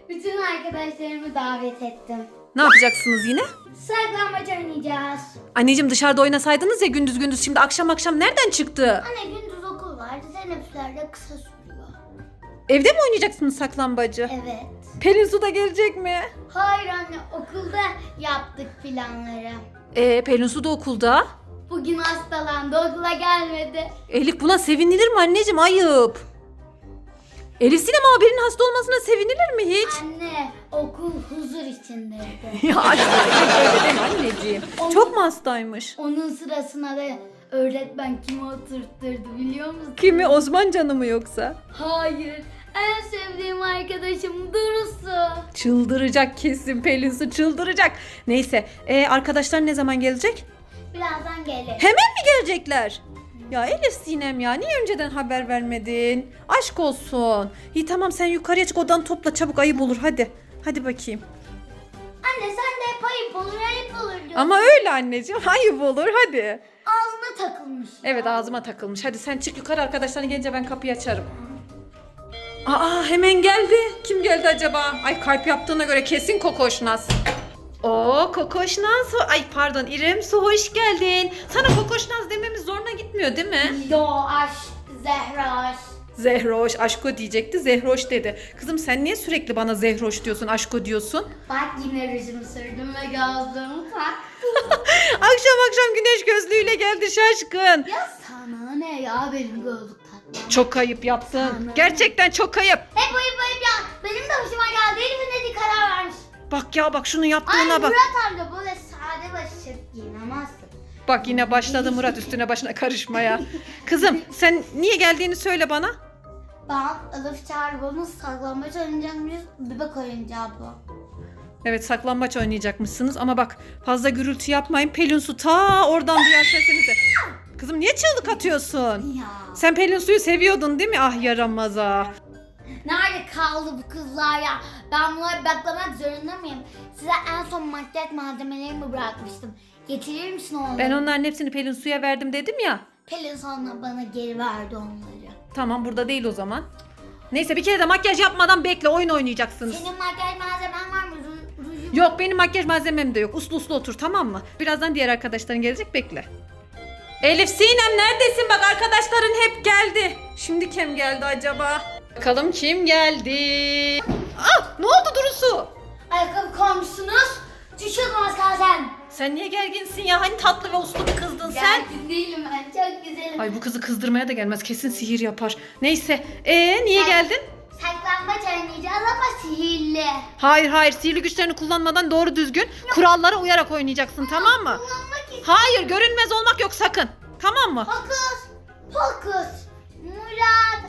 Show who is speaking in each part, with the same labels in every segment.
Speaker 1: Bütün arkadaşlarımı davet ettim.
Speaker 2: Ne yapacaksınız yine?
Speaker 1: Saklambaç oynayacağız.
Speaker 2: Anneciğim dışarıda oynasaydınız ya gündüz gündüz, şimdi akşam akşam nereden çıktı?
Speaker 1: Anne gündüz okul vardı. Teneffüsler de kısa sürüyor.
Speaker 2: Evde mi oynayacaksınız saklambacı?
Speaker 1: Evet.
Speaker 2: Pelin Su da gelecek mi?
Speaker 1: Hayır anne, okulda yaptık planları.
Speaker 2: Pelin Su da okulda.
Speaker 1: Bugün hastalandı, okula gelmedi.
Speaker 2: Elif, buna sevinilir mi anneciğim? Ayıp. Elif Sinem abinin hasta olmasına sevinilir mi hiç?
Speaker 1: Anne, okul huzur içindeydi.
Speaker 2: Ya aşkım öyle deme anneciğim. Çok mu hastaymış?
Speaker 1: Onun sırasına da öğretmen kimi oturtturdu biliyor musun?
Speaker 2: Kimi, Osman Can'ı mı yoksa?
Speaker 1: Hayır, en sevdiğim arkadaşım Durusu.
Speaker 2: Çıldıracak kesin Pelin Su, çıldıracak. Neyse arkadaşlar ne zaman gelecek?
Speaker 1: Birazdan gelir.
Speaker 2: Hemen mi gelecekler? Ya Elif Sinem ya, niye önceden haber vermedin? Aşk olsun. İyi tamam, sen yukarıya çık, odanı topla çabuk, ayıp olur hadi. Hadi bakayım.
Speaker 1: Anne sen de hep ayıp olur diyorsun.
Speaker 2: Ama öyle anneciğim, ayıp olur hadi.
Speaker 1: Ağzına takılmış.
Speaker 2: Evet, ağzıma takılmış. Hadi sen çık yukarı, arkadaşların gelince ben kapıyı açarım. Aa, hemen geldi. Kim geldi acaba? Ay, kalp yaptığına göre kesin Kokoşnaz. Oo, Kokoşnaz. Ay pardon, İrem Su, hoş geldin. Sana Kokoşnaz dememiz zoruna gitmiyor değil mi?
Speaker 1: Yo aşk, Zehra aşk.
Speaker 2: Zehroş, aşko diyecekti. Zehroş dedi. Kızım sen niye sürekli bana Zehroş diyorsun, aşko diyorsun?
Speaker 1: Bak yine rujumu sürdüm ve gözlüğümü taktım.
Speaker 2: Akşam akşam güneş gözlüğüyle geldi şaşkın.
Speaker 1: Ya sana ne ya benim gözlük takmam.
Speaker 2: Çok ayıp yaptın.
Speaker 1: Sana.
Speaker 2: Gerçekten çok ayıp.
Speaker 1: Hep ayıp ya. Benim de hoşuma geldi. Elif'in dediği karar vermiş.
Speaker 2: Bak ya, bak şunun
Speaker 1: Ay
Speaker 2: yaptığına bak.
Speaker 1: Murat amca böyle sade başlık giyinemezsin.
Speaker 2: Bak yine başladı Murat üstüne başına karışmaya. Kızım sen niye geldiğini söyle bana.
Speaker 1: Ben Elif Çağrı'nın saklambaç oynayacakmışız. Bebek oyuncağı bu.
Speaker 2: Evet, saklambaç oynayacakmışsınız ama bak fazla gürültü yapmayın. Pelin Su ta oradan duyar sesinizi. Kızım niye çığlık atıyorsun?
Speaker 1: Ya.
Speaker 2: Sen Pelin Su'yu seviyordun değil mi? Ah yaramaza.
Speaker 1: Nerede kaldı bu kızlar ya? Ben bunları baklamak zorunda mıyım? Size en son makyaj malzemelerimi bırakmıştım. Getirir misin onları?
Speaker 2: Ben onların hepsini Pelin Su'ya verdim dedim ya.
Speaker 1: Pelin sonra bana geri verdi onları.
Speaker 2: Tamam, burada değil o zaman. Neyse, bir kere de makyaj yapmadan bekle, oyun oynayacaksınız.
Speaker 1: Senin makyaj malzemen var mı? Rujum.
Speaker 2: Yok, benim makyaj malzemem de yok. Uslu uslu otur, tamam mı? Birazdan diğer arkadaşların gelecek, bekle. Elif Sinem neredesin? Bak arkadaşların hep geldi. Şimdi kim geldi acaba? Bakalım kim geldi? Ah, ne oldu Durusu?
Speaker 1: Ayakkabı koymuşsunuz. Düşüyordum az kalsın.
Speaker 2: Sen niye gerginsin ya? Hani tatlı ve uslu bir kızdın sen?
Speaker 1: Gergin değilim ben. Çok güzelim.
Speaker 2: Ay bu kızı kızdırmaya da gelmez. Kesin sihir yapar. Neyse. Niye geldin?
Speaker 1: Saklambaç oynayacağız ama sihirli.
Speaker 2: Hayır hayır, sihirli güçlerini kullanmadan doğru düzgün kurallara uyarak oynayacaksın, tamam mı?
Speaker 1: Kullanmak istiyorum.
Speaker 2: Hayır, görünmez olmak yok sakın. Tamam mı?
Speaker 1: Fokus. Fokus. Murat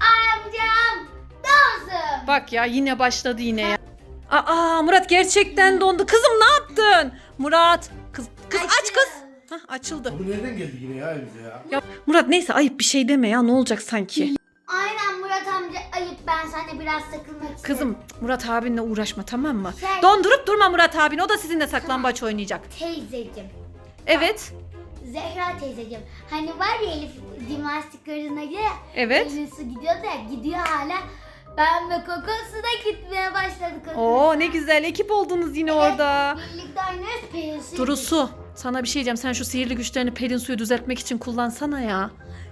Speaker 1: amcam dansın.
Speaker 2: Bak ya, yine başladı yine ya. Aa, Murat gerçekten dondu. Kızım ne yaptın? Murat. Kız aç kız. Hah, açıldı.
Speaker 3: Bu nereden geldi yine ya bize ya?
Speaker 2: Ya Murat neyse, ayıp bir şey deme ya, ne olacak sanki?
Speaker 1: Aynen Murat amca ayıp, ben seninle biraz takılmak istedim.
Speaker 2: Kızım Murat abinle uğraşma, tamam mı?
Speaker 1: Şey-
Speaker 2: Dondurup durma Murat abin, o da sizinle saklambaç oynayacak.
Speaker 1: Teyzeciğim.
Speaker 2: Evet.
Speaker 1: Zehra teyzeciğim. Hani var ya Elif jimnastik arasına gidiyor.
Speaker 2: Evet.
Speaker 1: Elif su gidiyor da gidiyor hala. Ben ve Kokosu da gitmeye başladık.
Speaker 2: Oo ne güzel, ekip oldunuz yine orada.
Speaker 1: Birlikte oynuyoruz Pelin'si.
Speaker 2: Durusu, sana bir şey diyeceğim. Sen şu sihirli güçlerini Pelin Su'yu düzeltmek için kullansana ya.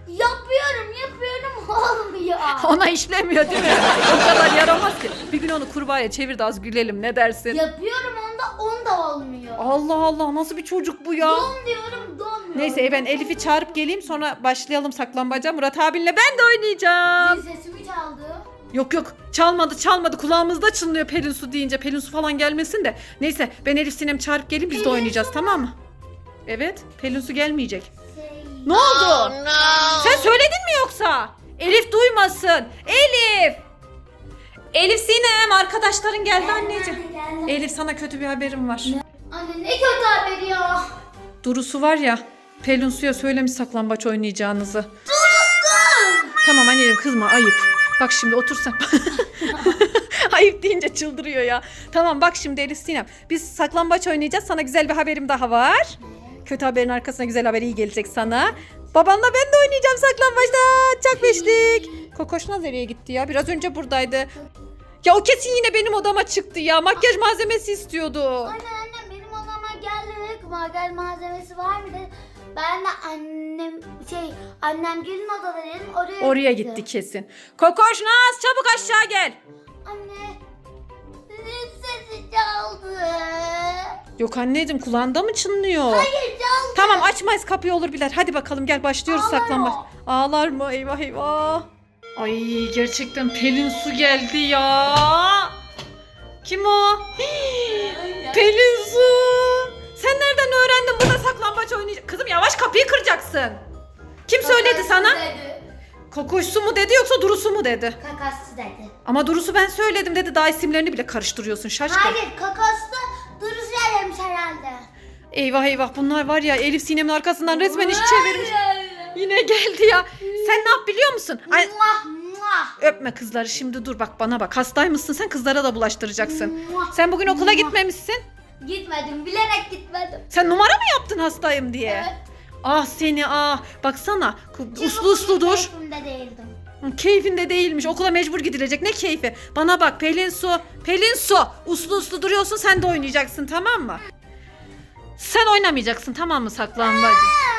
Speaker 1: Yapıyorum olmuyor.
Speaker 2: Ona işlemiyor değil mi? O kadar yaramaz ki. Bir gün onu kurbağaya çevir de az gülelim, ne dersin?
Speaker 1: Yapıyorum onda olmuyor.
Speaker 2: Allah Allah, nasıl bir çocuk bu ya?
Speaker 1: Don diyorum donmuyor.
Speaker 2: Neyse ben Elif'i çağırıp geleyim, sonra başlayalım saklambaca. Murat abinle ben de oynayacağım.
Speaker 1: Zil sesimi çaldı.
Speaker 2: Yok yok, çalmadı, kulağımızda çınlıyor Pelin Su deyince. Pelin Su falan gelmesin de. Neyse ben Elif Sinem çağırıp geleyim, biz de
Speaker 1: Pelin
Speaker 2: oynayacağız,
Speaker 1: Su
Speaker 2: tamam mı? Evet, Pelin Su gelmeyecek.
Speaker 1: Şey...
Speaker 2: Ne oldu? Sen söyledin mi yoksa? Elif duymasın. Elif! Elif Sinem, arkadaşların geldi anneciğim.
Speaker 1: Geldim.
Speaker 2: Elif, sana kötü bir haberim var.
Speaker 1: Anne ne kötü haberi ya.
Speaker 2: Durusu var ya, Pelin Su'ya söylemiş saklambaç oynayacağınızı.
Speaker 1: Durusu!
Speaker 2: Tamam anneciğim, kızma, ayıp. Bak şimdi otursan. Ayıp deyince çıldırıyor ya. Tamam bak şimdi Elif Sinem, biz saklambaç oynayacağız. Sana güzel bir haberim daha var. Kötü haberin arkasına güzel haber iyi gelecek sana. Babanla ben de oynayacağım saklambaçta. Çak beşlik. Kokoşnaz nereye gitti ya? Biraz önce buradaydı. Ya o kesin yine benim odama çıktı ya. Makyaj malzemesi istiyordu.
Speaker 1: Annem benim odama geldi. Makyaj malzemesi var mı dedi. Ben de annem gelin odada dedim.
Speaker 2: Oraya gitti kesin. Kokoş Naz çabuk aşağı gel.
Speaker 1: Anne. Zil sesi çaldı.
Speaker 2: Yok anneciğim kulağında mı çınlıyor?
Speaker 1: Hayır çaldı.
Speaker 2: Tamam açmayız kapıyı olur biler. Hadi bakalım gel başlıyoruz
Speaker 1: Ağlar
Speaker 2: saklanmaç.
Speaker 1: o.
Speaker 2: Ağlar mı? Eyvah eyvah. Ay gerçekten Pelin Su geldi ya. Kim o? Hii, Pelin Su. Sen nereden öğrendin burada saklambaç oynayacak? Kızım yavaş kapıyı kıracaksın. Kim söyledi sana?
Speaker 1: Dedi.
Speaker 2: Kokoş Su mu dedi yoksa Duru Su mu dedi?
Speaker 1: Kakası dedi.
Speaker 2: Ama Duru'su ben söyledim dedi. Daha isimlerini bile karıştırıyorsun şaşkın.
Speaker 1: Hayır kakası da Duru söylemiş herhalde.
Speaker 2: Eyvah eyvah bunlar var ya Elif Sinem'in arkasından resmen iş çevirmiş. Yine geldi ya. Sen ne yap biliyor musun? Ay,
Speaker 1: Muah, muah.
Speaker 2: öpme kızları şimdi dur bak bana bak. Hastaymışsın sen kızlara da bulaştıracaksın.
Speaker 1: Muah.
Speaker 2: Sen bugün okula gitmemişsin.
Speaker 1: Gitmedim, bilerek gitmedim.
Speaker 2: Sen numara mı yaptın hastayım diye?
Speaker 1: Evet.
Speaker 2: Ah seni ah. Baksana uslu uslu dur.
Speaker 1: Keyfimde değildim.
Speaker 2: Keyfinde değilmiş. Okula mecbur gidilecek. Ne keyfi? Bana bak Pelin Su. Pelin Su. Uslu uslu duruyorsun sen de oynayacaksın tamam mı? Sen oynamayacaksın tamam mı saklanmacı?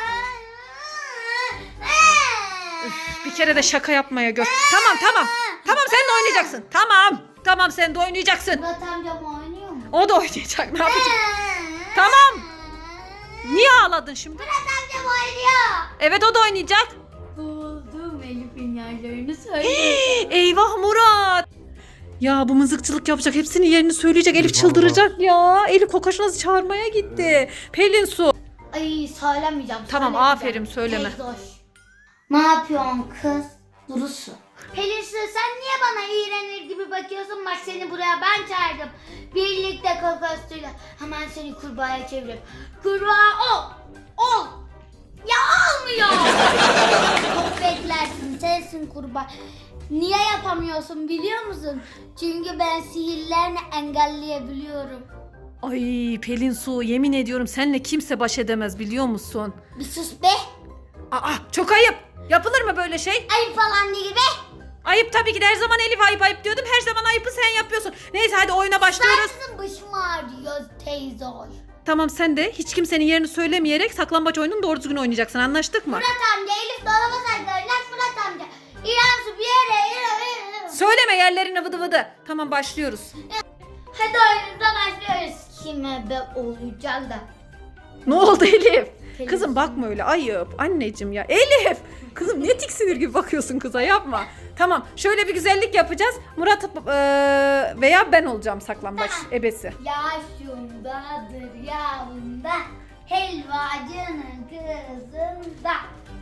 Speaker 2: Üf, bir kere de şaka yapmaya gör. Tamam tamam. Tamam sen de oynayacaksın. Tamam. Tamam sen de oynayacaksın.
Speaker 1: Murat amcam oynuyor mu?
Speaker 2: O da oynayacak. Ne yapacak? Tamam. Niye ağladın şimdi?
Speaker 1: Murat amcam oynuyor.
Speaker 2: Evet o da oynayacak.
Speaker 1: Buldum Elif'in yerlerini söyle.
Speaker 2: Eyvah Murat. Ya bu mızıkçılık yapacak. Hepsinin yerini söyleyecek. Elif
Speaker 3: Eyvah.
Speaker 2: çıldıracak ya. Elif Kokoşnaz'ı çağırmaya gitti. Pelin Su.
Speaker 1: Ay söylemeyeceğim.
Speaker 2: Tamam,
Speaker 1: söylemeyeceğim.
Speaker 2: aferin, söyleme.
Speaker 1: Teyze hoş. Ne yapıyorsun kız? Durusu. Pelin Su, sen niye bana iğrenir gibi bakıyorsun? Bak seni buraya ben çağırdım. Birlikte kokosuyla. Hemen seni kurbağaya çevirip. Kurbağa ol. Ol. Ya olmuyor. Çok beklersin. Sensin kurbağa. Niye yapamıyorsun biliyor musun? Çünkü ben sihirlerini engelleyebiliyorum.
Speaker 2: Ay Pelin Su yemin ediyorum seninle kimse baş edemez biliyor musun?
Speaker 1: Bir sus be.
Speaker 2: Aa çok ayıp. Yapılır mı böyle şey?
Speaker 1: Ayıp falan değil be.
Speaker 2: Ayıp tabii ki de her zaman Elif ayıp ayıp diyordum. Her zaman ayıpı sen yapıyorsun. Neyse hadi oyuna başlıyoruz.
Speaker 1: Sensin başım ağrıyor teyze hoş.
Speaker 2: Tamam sen de hiç kimsenin yerini söylemeyerek saklambaç oyununu doğru düzgün oynayacaksın anlaştık mı?
Speaker 1: Murat amca Elif dolaba saklanacak Murat amca. İrem su bir yere.
Speaker 2: Söyleme yerlerini vıdı vıdı. Tamam başlıyoruz.
Speaker 1: Hadi oyunumuza başlıyoruz. Kime be olacak da.
Speaker 2: Ne oldu Elif?
Speaker 1: Pelin
Speaker 2: Kızım bakma öyle ayıp. Anneciğim ya. Elif! Kızım ne tiksinir gibi bakıyorsun kıza yapma. Tamam şöyle bir güzellik yapacağız. Murat veya ben olacağım saklambaç
Speaker 1: Tamam.
Speaker 2: ebesi.
Speaker 1: Yaşundadır yavunda. Helvacının kızında.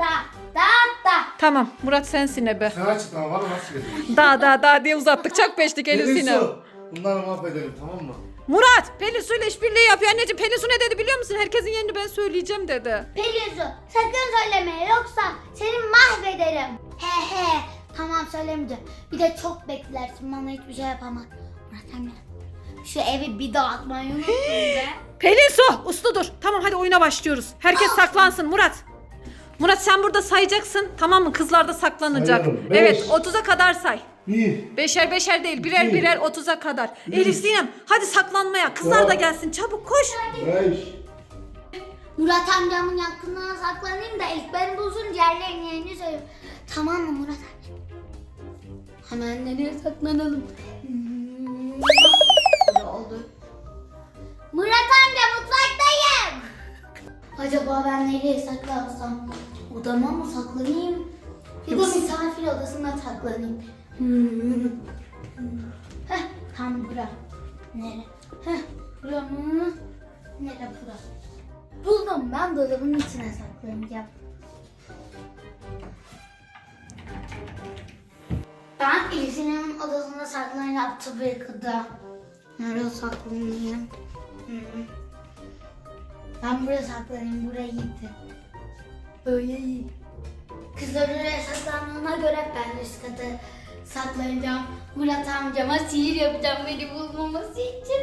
Speaker 1: Da.
Speaker 2: Tamam Murat sensin ebe.
Speaker 3: Sen açıklama var mı? Nasıl gelecek?
Speaker 2: Da diye uzattık çak peştik Elif
Speaker 3: Pelin
Speaker 2: Sinem.
Speaker 3: Su. Bunları mahvedelim tamam mı?
Speaker 2: Murat Pelin Su'yla işbirliği yapıyor anneciğim. Pelin Su ne dedi biliyor musun? Herkesin yerini ben söyleyeceğim dedi.
Speaker 1: Pelin su sakın söyleme yoksa seni mahvederim. He. Tamam söylemeyeceğim. Bir de çok beklersin bana hiçbir şey yapamaz. Murat amca şu evi bir dağıtmayı unuttun be.
Speaker 2: Pelin Su uslu dur. Tamam hadi oyuna başlıyoruz. Herkes saklansın Murat. Murat sen burada sayacaksın tamam mı? Kızlar da saklanacak.
Speaker 3: Sayıyorum. Beş.
Speaker 2: Evet 30'a kadar say.
Speaker 3: 1,
Speaker 2: Beşer beşer değil birer
Speaker 3: İki.
Speaker 2: birer 30'a kadar.
Speaker 3: Üç.
Speaker 2: Elif Sinem hadi saklanmaya. Kızlar da
Speaker 3: Dört.
Speaker 2: gelsin çabuk koş.
Speaker 3: 5,
Speaker 1: Murat amcamın yakınına saklanayım da ilk ben bulsun diğerlerinin yerini söyleyeyim. Tamam mı Murat amca? Hemen nereye saklanalım? Böyle oldu. Murat amca mutfaktayım. Acaba ben nereye saklansam? Odama mı saklanayım? Ya da misafir odasına saklanayım. Heh, tam bura. Nere? Heh, bura mı? Nere bura? Buldum ben dolabın içine saklanacağım. Ben Elif'in odasında saklanacağım tabii ki de. Nereye saklanayım? Ben buraya saklanayım, buraya gitti. Böyle iyi. Kızlar oraya saklandığına göre ben üst kata saklanacağım. Murat amcama sihir yapacağım beni bulmaması için.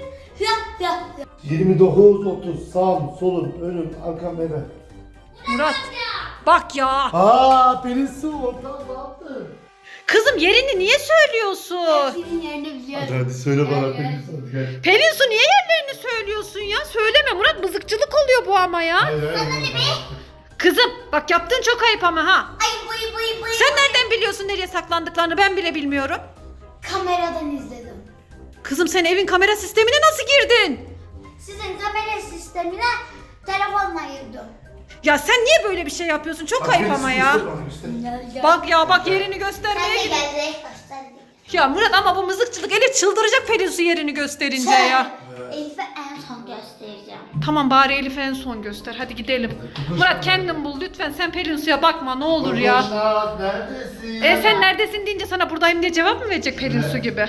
Speaker 3: 29, 30, sağım, solum, önüm, arkam, ebe.
Speaker 2: Murat bak ya.
Speaker 3: Aa Pelin Su ortam ne yaptın?
Speaker 2: Kızım yerini niye söylüyorsun?
Speaker 1: Senin yerini biliyorum.
Speaker 3: Hadi söyle bana
Speaker 1: Evet.
Speaker 3: Pelin Su, hadi gel.
Speaker 2: Pelin Su niye yerlerini söylüyorsun ya? Söyleme Murat, mızıkçılık oluyor bu ama ya.
Speaker 3: Hayır, hayır.
Speaker 2: Kızım bak yaptığın çok ayıp ama ha.
Speaker 1: Ay bıy.
Speaker 2: Sen nereden biliyorsun nereye saklandıklarını, ben bile bilmiyorum.
Speaker 1: Kameradan izledim.
Speaker 2: Kızım sen evin kamera sistemine nasıl girdin?
Speaker 1: Sizin kamera sistemine telefonla girdim.
Speaker 2: Ya sen niye böyle bir şey yapıyorsun? Çok
Speaker 3: Bak,
Speaker 2: ayıp
Speaker 3: Pelin
Speaker 2: ama
Speaker 3: Su,
Speaker 2: ya.
Speaker 3: göster bana, göster.
Speaker 2: Bak ya bak yerini
Speaker 1: Sen
Speaker 2: göstermeye
Speaker 1: de
Speaker 2: gidiyor.
Speaker 1: gel gösterdim.
Speaker 2: Ya Murat ama bu mızıkçılık, Elif çıldıracak Pelin Su yerini gösterince ya.
Speaker 1: Elif'e en son göstereceğim.
Speaker 2: Tamam bari Elif'e en son göster. Hadi gidelim. Murat kendin bul lütfen, sen Pelin Su'ya bakma ne olur ya.
Speaker 3: Kokoşnaz, neredesin?
Speaker 2: Sen neredesin deyince sana buradayım diye cevap mı verecek Pelin Su gibi?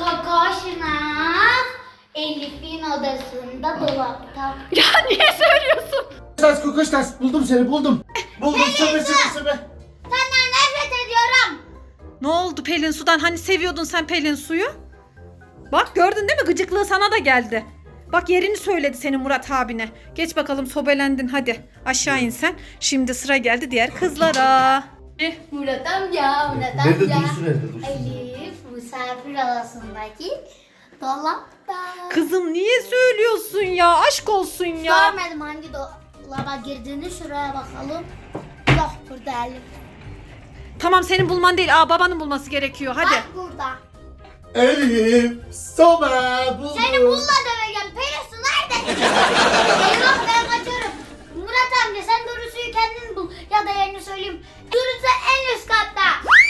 Speaker 1: Kokoşnaz Elif'in odasında dolapta.
Speaker 2: Ya niye söylüyorsun?
Speaker 3: Kokoşnaz, buldum seni, buldum. Buldum, söyle.
Speaker 1: Senden nefret ediyorum.
Speaker 2: Ne oldu Pelin Su'dan? Hani seviyordun sen Pelin Su'yu? Bak gördün değil mi? Gıcıklığı sana da geldi. Bak yerini söyledi senin Murat abine. Geç bakalım, sobelendin hadi. Aşağı in sen. Şimdi sıra geldi diğer kızlara.
Speaker 1: Murat amca.
Speaker 3: Nerede Dursun, nerede Dursun?
Speaker 1: Elif misafir odasındaki dolapta.
Speaker 2: Kızım niye söylüyorsun ya? Aşk olsun ya.
Speaker 1: Görmedim hangi dolaba girdiğini, şuraya bakalım. Yok burada Elif.
Speaker 2: Tamam senin bulman değil. Babanın bulması gerekiyor. Hadi.
Speaker 1: Bak burada.
Speaker 3: Elif, sobe, buldum.
Speaker 1: Seni bulla döveceğim. Pelin nerede? Eyvah ben kaçıyorum. Murat amca sen Durusu'yu kendin bul. Ya da yerini söyleyeyim. Durusu en üst katta.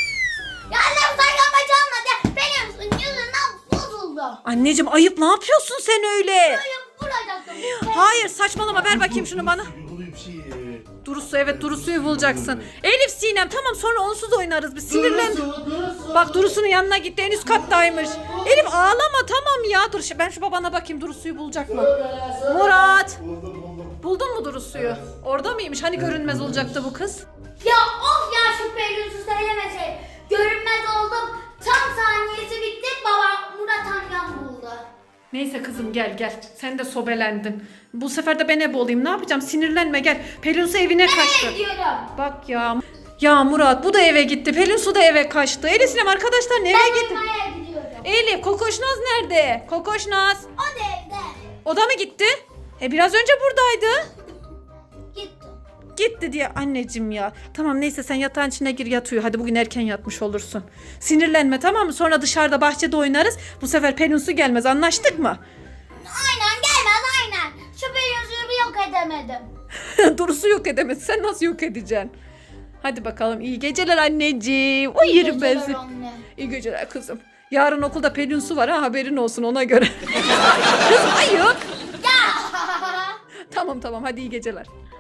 Speaker 1: Ya annem saklanmaç olmadı. Pelin yüzünden bozuldu.
Speaker 2: Anneciğim ayıp, ne yapıyorsun sen öyle?
Speaker 1: Böyle vuracaktım.
Speaker 2: Hayır saçmalama, ver bakayım şunu bana.
Speaker 3: Oluyor bir şey.
Speaker 2: Durusu, evet Durusu'yu bulacaksın. Elif Sinem tamam, sonra onsuz oynarız. Bir sinirlen.
Speaker 3: Dursun.
Speaker 2: Bak Durusu'nun yanına gitti, en üst kattaymış. Elif ağlama tamam ya. Dur ben şu babana bakayım, Durusu'yu bulacak mı? Murat.
Speaker 3: Buldum.
Speaker 2: Buldun mu Durusu'yu? Orada mıymış? Hani görünmez olacaktı bu kız?
Speaker 1: Ya of ya, şu Pelin'i söylemese. Görünmez oldum. Tam saniyesi bitti. Baba Murat amcam buldu.
Speaker 2: Neyse kızım gel. Sen de sobelendin. Bu sefer de ben ebe olayım. Ne yapacağım? Sinirlenme gel. Pelin Su evine kaçtı.
Speaker 1: Nereye gidiyorum?
Speaker 2: Bak ya. Ya Murat bu da eve gitti. Pelin Su da eve kaçtı. Elif Sinem arkadaşlar eve
Speaker 1: Ben
Speaker 2: gitti.
Speaker 1: oynamaya gidiyorum.
Speaker 2: Elif Kokoşnaz nerede? Kokoşnaz.
Speaker 1: O da evde.
Speaker 2: O da mı gitti? Biraz önce buradaydı.
Speaker 1: Gitti.
Speaker 2: Gitti diye anneciğim ya. Tamam neyse sen yatağın içine gir, yat uyu. Hadi bugün erken yatmış olursun. Sinirlenme tamam mı? Sonra dışarıda bahçede oynarız. Bu sefer Pelin Su gelmez, anlaştık mı?
Speaker 1: Aynen gelmez aynen. Şu Pelin'i bir yok edemedim.
Speaker 2: Durusu yok edemez. Sen nasıl yok edeceksin? Hadi bakalım, iyi geceler anneciğim. Uyurum ben seni.
Speaker 1: Anne.
Speaker 2: İyi geceler kızım. Yarın okulda Pelin Su var ha, haberin olsun ona göre. Kızım ayıp.
Speaker 1: Ya.
Speaker 2: Tamam hadi iyi geceler.